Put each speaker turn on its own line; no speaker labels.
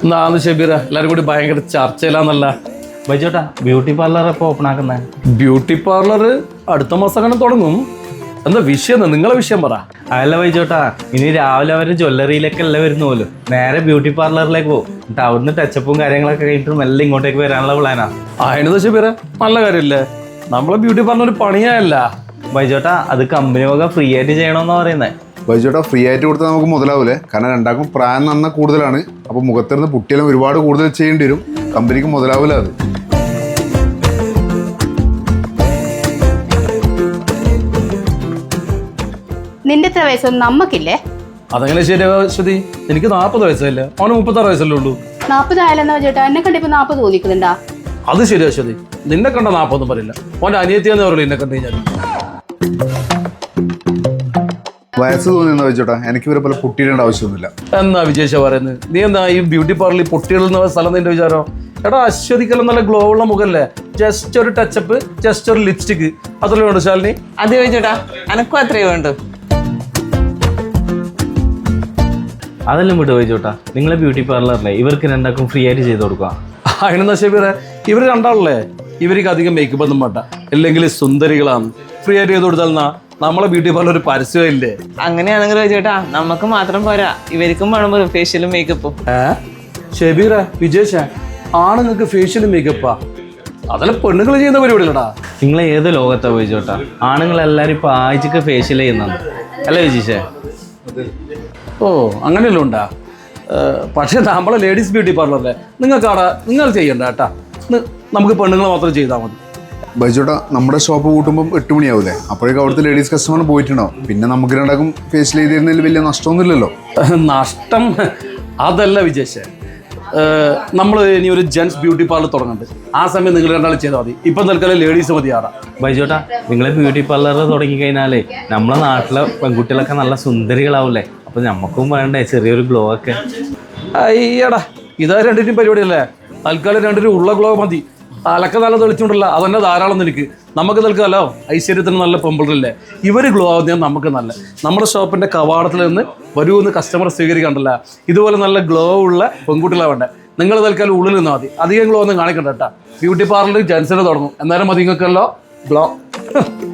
നാന്ന് ഷബീറ എല്ലാരും കൂടി ഭയങ്കര ചർച്ചയിലാന്നല്ല.
ബൈജോട്ടാ ബ്യൂട്ടി പാർലർ എപ്പോൾ ഓപ്പൺ ആക്കുന്നത്?
ബ്യൂട്ടി പാർലർ അടുത്ത മാസം അങ്ങനെ തുടങ്ങും. എന്താ വിഷയം? നിങ്ങളെ വിഷയം പറ.
അതല്ല ബൈജോട്ടാ, ഇനി രാവിലെ അവർ ജ്വല്ലറിയിലേക്ക് അല്ല വരുന്ന പോലും, നേരെ ബ്യൂട്ടി പാർലറിലേക്ക് പോകും. എന്നിട്ട് അവിടുന്ന് ടച്ചപ്പും കാര്യങ്ങളൊക്കെ കഴിഞ്ഞിട്ട് മെല്ലെ ഇങ്ങോട്ടേക്ക് വരാനുള്ള പ്ലാനാ.
അതിനെന്താ ഷബീറ, നല്ല കാര്യമില്ലേ? നമ്മളെ ബ്യൂട്ടി പാർലർ ഒരു പണിയല്ല
ബൈജോട്ടാ, അത് കമ്പനി വക ഫ്രീ ആയിട്ട് ചെയ്യണമെന്നാ പറയുന്നത്.
ബൈജോട്ടാ ഫ്രീ ആയിട്ട് കൊടുത്താൽ നമുക്ക് മുതലാവൂലേ? കാരണം രണ്ടാക്കും പ്രായം നന്ന കൂടുതലാണ്. അപ്പോൾ മുഖത്തിരുന്ന് പുട്ടിയെല്ലാം ഒരുപാട് കൂടുതൽ ചെയ്യേണ്ടി വരും. കമ്പനിക്ക് മുതലാവൂല അത്.
നിന്റെ എത്ര വയസ്സൊന്നും നമ്മക്കില്ലേ?
അതങ്ങനെ ശരിയാ ശ്രുതി. എനിക്ക് 40 വയസ്സല്ലേ, അവന് 36 വയസ്സല്ലേ ഉള്ളൂ.
40 ആയാലെന്നാ ചേട്ടാ? എന്നെ കണ്ടിപ്പോ 40 തോന്നിക്കുന്നുണ്ടാ?
അത് ശരിയാ ശ്രുതി, നിന്നെ കണ്ട 40 ഒന്നും പറയില്ല. ഓൻ്റെ അനിയത്തിയാന്ന് പറയില്ല എന്നെ കണ്ടു കഴിഞ്ഞാൽ.
വയസ്സ് തോന്നിയെന്ന് ബൈജോട്ടാ, എനിക്ക് ഇവരെ പോലെ പുട്ടിയിടേണ്ട ആവശ്യമൊന്നുമില്ല.
എന്നാ വിജേഷ പറയുന്നത്? നീ എന്താ ഈ ബ്യൂട്ടി പാർലറിൽ പൊട്ടികൾ എന്ന സ്ഥലം നിന്റെ വിചാരം? എടാ അശ്വതിക്കെല്ലാം നല്ല ഗ്ലോ ഉള്ള മുഖല്ലേ, ജസ്റ്റ് ഒരു ടച്ചപ്പ്, ജസ്റ്റ് ഒരു ലിപ്സ്റ്റിക്, അത്രേ വേണ്ടു ശാലിനി.
അത് ചോദിച്ചോട്ടാ, എനക്കും അത്രേ വേണ്ടു.
അതെല്ലാം വിട്ടു ബൈജോട്ടാ, നിങ്ങളെ ബ്യൂട്ടി പാർലറിലെ ഇവർക്ക് രണ്ടാക്കും ഫ്രീ ആയിട്ട് ചെയ്ത് കൊടുക്കുക.
അതിനെന്താ ഷബീറെ, ഇവർ രണ്ടാളല്ലേ, ഇവർക്ക് അധികം മേക്കപ്പ് ഒന്നും വേണ്ട, അല്ലെങ്കിൽ സുന്ദരികളാണ്. ഫ്രീ ആയിട്ട് ചെയ്ത് കൊടുത്താൽ നമ്മളെ ബ്യൂട്ടി പാർലർ ഒരു പരസ്യമില്ലേ?
അങ്ങനെയാണെങ്കിൽ ചോദിച്ചോട്ടാ, നമുക്ക് മാത്രം പോരാ, ഇവർക്കും വേണം ഫേഷ്യലും മേക്കപ്പും.
ഷബീറ, വിജേഷ, ആണുങ്ങൾക്ക് ഫേഷ്യലും മേക്കപ്പാ? അതെല്ലാം പെണ്ണുങ്ങൾ ചെയ്യുന്ന പരിപാടിയില്ലടാ.
നിങ്ങൾ ഏത് ലോകത്താ ബൈജോട്ടാ? ആണുങ്ങളെല്ലാവരും ഇപ്പോൾ ആഴ്ചക്ക് ഫേഷ്യൽ ചെയ്യുന്നത് അല്ലേ വിജീഷേ?
ഓ അങ്ങനെയല്ലോ ഉണ്ടാ. പക്ഷേ നമ്മളെ ലേഡീസ് ബ്യൂട്ടി പാർലറല്ലേ, നിങ്ങൾ ചെയ്യണ്ട കേട്ടാ. നമുക്ക് പെണ്ണുങ്ങൾ മാത്രം ചെയ്താൽ മതി.
ബൈജോട്ടാ നമ്മുടെ ഷോപ്പ് കൂട്ടുമ്പം 8 മണിയാവൂലേ? അപ്പോഴേക്കും അവിടുത്തെ ലേഡീസ് കസ്റ്റമർ പോയിട്ടുണ്ടാവും. പിന്നെ നമുക്ക് രണ്ടാക്കും ഫേഷ്യൽ ചെയ്തിരുന്നതിൽ വലിയ നഷ്ടമൊന്നുമില്ലല്ലോ.
നഷ്ടം അതല്ല വിജേഷ, നമ്മൾ ഇനി ഒരു ജെൻസ് ബ്യൂട്ടി പാർലർ തുടങ്ങുന്നുണ്ട്. ആ സമയം നിങ്ങൾ രണ്ടാളും ചെയ്താൽ മതി. ഇപ്പം തൽക്കാലം ലേഡീസ് മതി. ആടാ
ബൈജോട്ടാ, നിങ്ങളെ ബ്യൂട്ടി പാർലർ തുടങ്ങിക്കഴിഞ്ഞാലേ നമ്മളെ നാട്ടിലെ പെൺകുട്ടികളൊക്കെ നല്ല സുന്ദരികളാവൂലേ? അപ്പോൾ നമുക്കും വേണ്ടേ ചെറിയൊരു ഗ്ലോ ഒക്കെ?
അയ്യടാ, ഇതാ രണ്ടിനും പരിപാടിയല്ലേ. തൽക്കാലം രണ്ടിനും ഉള്ള ഗ്ലോ മതി. തലക്ക് നല്ല തെളിച്ചുകൊണ്ടല്ല, അതന്നെ ധാരാളം. നിനക്ക് നമുക്ക് തൽക്കാലോ ഐശ്വര്യത്തിന് നല്ല പെമ്പിളല്ലേ, ഇവർ ഗ്ലോ ആവുന്നതാണ് നമുക്ക് നല്ല. നമ്മുടെ ഷോപ്പിൻ്റെ കവാടത്തിൽ നിന്ന് വരുമെന്ന് കസ്റ്റമർ സ്വീകരിക്കണ്ടല്ല. ഇതുപോലെ നല്ല ഗ്ലോ ഉള്ള പെൺകുട്ടികളാണ് വേണ്ടേ. നിങ്ങൾ തൽക്കാലം ഉള്ളിൽ നിന്നാൽ മതി, അധികം ഗ്ലോ ഒന്നും കാണിക്കണ്ട കേട്ടാ. ബ്യൂട്ടി പാർലർ ജെൻസിന് തുടങ്ങും, എന്നാലും മതി നിങ്ങൾക്കല്ലോ ഗ്ലോ.